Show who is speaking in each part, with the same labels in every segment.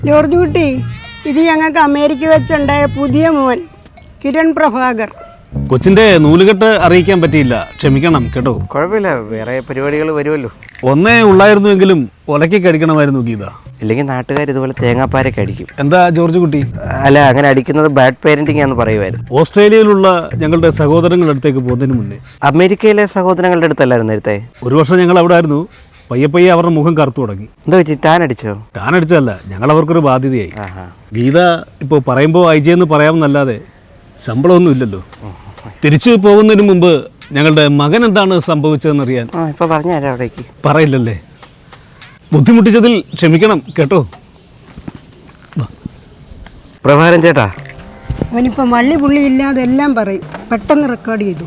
Speaker 1: George കുട്ടി, ഇത് ഞങ്ങൾക്ക് അമേരിക്ക വെച്ചുണ്ടായ പുതിയ മോൻ കിരൺ പ്രഭാകർ.
Speaker 2: കൊച്ചിന്റെ നൂലുകെട്ട് അറിയിക്കാൻ പറ്റിയില്ല, ക്ഷമിക്കണം കേട്ടോ.
Speaker 3: കുഴപ്പമില്ല, വേറെ പരിപാടികൾ വരുമല്ലോ.
Speaker 2: ഒന്നേ ഉള്ളായിരുന്നുവെങ്കിലും ഒലക്കൊക്കെ അടിക്കണമായിരുന്നു ഗീത.
Speaker 3: ഇല്ലെങ്കിൽ നാട്ടുകാർ ഇതുപോലെ തേങ്ങാപ്പാരൊക്കെ അടിക്കും.
Speaker 2: എന്താ ജോർജ് കുട്ടി?
Speaker 3: അല്ല, അങ്ങനെ അടിക്കുന്നത് ബാഡ് പേരന്റിംഗ് ആണെന്ന് പറയുമായിരുന്നു.
Speaker 2: ഓസ്ട്രേലിയയിലുള്ള ഞങ്ങളുടെ സഹോദരങ്ങളുടെ അടുത്തേക്ക് പോകുന്നതിന് മുന്നേ
Speaker 3: അമേരിക്കയിലെ സഹോദരങ്ങളുടെ അടുത്തല്ലായിരുന്നു നേരത്തെ?
Speaker 2: ഒരു വർഷം ഞങ്ങൾ അവിടെ ആയിരുന്നു. പയ്യെ പയ്യെ അവരുടെ മുഖം കറുത്തു തുടങ്ങി.
Speaker 3: എന്താ പറ്റി? ടാൻ അടിച്ചോ?
Speaker 2: ടാൻ അടിച്ചതല്ല, ഞങ്ങൾ അവർക്കൊരു ബാധ്യതയായി. ഗീത ഇപ്പോൾ പറയുമ്പോൾ ഐജയെന്ന് പറയാമെന്നല്ലാതെ ശമ്പളമൊന്നും ഇല്ലല്ലോ. തിരിച്ചു പോകുന്നതിന് മുമ്പ് ഞങ്ങളുടെ മകൻ എന്താണ് സംഭവിച്ചതെന്നറിയാൻ.
Speaker 3: ഇപ്പൊ പറഞ്ഞുതരാം. അവിടേക്ക്
Speaker 2: പറയില്ലല്ലേ? ബുദ്ധിമുട്ടിച്ചതിൽ ക്ഷമിക്കണം കേട്ടോ.
Speaker 3: പ്രഭാകരൻ ചേട്ടാ,
Speaker 1: അവനിപ്പോൾ മള്ളി പുള്ളി ഇല്ലാതെ എല്ലാം പറയും. പെട്ടെന്ന് റെക്കോർഡ് ചെയ്തു.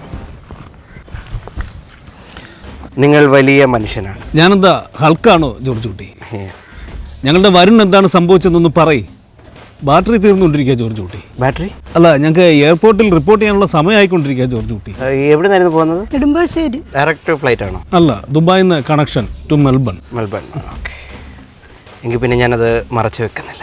Speaker 3: നിങ്ങൾ വലിയ മനുഷ്യനാണ്.
Speaker 2: ഞാനെന്താ ഹൾക്കാണോ ജോർജ് കുട്ടി? ഞങ്ങളുടെ വരുൺ എന്താണ് സംഭവിച്ചതെന്നൊന്ന് പറയും. ബാറ്ററി തീർന്നുകൊണ്ടിരിക്കുക ജോർജ് കുട്ടി.
Speaker 3: ബാറ്ററി?
Speaker 2: അല്ല, ഞങ്ങൾക്ക് എയർപോർട്ടിൽ റിപ്പോർട്ട് ചെയ്യാനുള്ള സമയമായിക്കൊണ്ടിരിക്കുക ജോർജ് കുട്ടി.
Speaker 3: എവിടെ നിന്നായിരുന്നു പോകുന്നത്?
Speaker 1: നെടുമ്പാശ്ശേരി.
Speaker 3: ഡയറക്റ്റ് ഫ്ലൈറ്റ് ആണോ?
Speaker 2: അല്ല, ദുബായിൽ നിന്ന് connection to Melbourne.
Speaker 3: Melbourne, okay. എങ്കിൽ പിന്നെ ഞാനത് മറച്ചു വെക്കുന്നില്ല.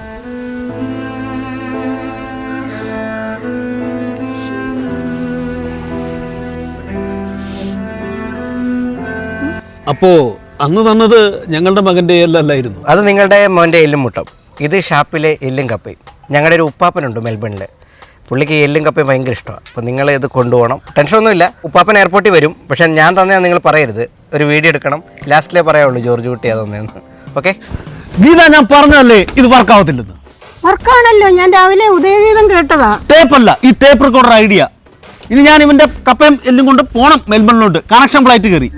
Speaker 2: അപ്പോൾ അന്ന് തന്നത് ഞങ്ങളുടെ മകൻ്റെ എല്ലല്ലായിരുന്നു.
Speaker 3: അത് നിങ്ങളുടെ മോൻ്റെ എല്ലും മുട്ടം. ഇത് ഷാപ്പിലെ എല്ലും കപ്പയും. ഞങ്ങളുടെ ഒരു ഉപ്പാപ്പനുണ്ട് മെൽബണിൽ. പുള്ളിക്ക് എല്ലും കപ്പയും ഭയങ്കര ഇഷ്ടമാണ്. അപ്പോൾ നിങ്ങൾ ഇത് കൊണ്ടുപോകണം. ടെൻഷനൊന്നുമില്ല, ഉപ്പാപ്പൻ എയർപോർട്ടിൽ വരും. പക്ഷേ ഞാൻ തന്നെയാണ് നിങ്ങൾ പറയരുത്. ഒരു വീഡിയോ എടുക്കണം. ലാസ്റ്റിലേ പറയാവുള്ളൂ ജോർജ് കുട്ടി അതൊന്നേന്ന്. ഓക്കെ
Speaker 2: ഗീത, ഞാൻ പറഞ്ഞതല്ലേ ഇത് വർക്കാവത്തില്ലെന്ന്.
Speaker 1: വർക്കാണല്ലോ, ഞാൻ രാവിലെ ഉദയഗീതം കേട്ടതാ.
Speaker 2: ടേപ്പല്ല, ഈ ടേപ്പ് റെക്കോർഡർ ഐഡിയ. ഇനി ഞാൻ ഇവൻ്റെ കപ്പയും എല്ലും കൊണ്ട് പോകണം മെൽബണിലോട്ട്. കണക്ഷൻ ഫ്ലൈറ്റ് കയറി.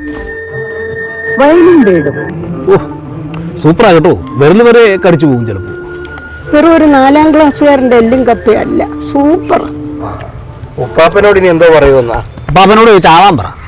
Speaker 2: ഓ, സൂപ്പറാകട്ടോ. വിരൽ വരെ കടിച്ചു പോകും ചിലപ്പോൾ.
Speaker 1: വെറും ഒരു 4ാം ക്ലാസ്സുകാരൻ്റെ എല്ലും കപ്പയല്ല, സൂപ്പർ.
Speaker 3: ഉപ്പാപ്പനോട് ഇനി എന്തോ പറയുമെന്നാ?
Speaker 2: അപ്പൊ അവനോട് ചോദിച്ചാവാൻ പറ.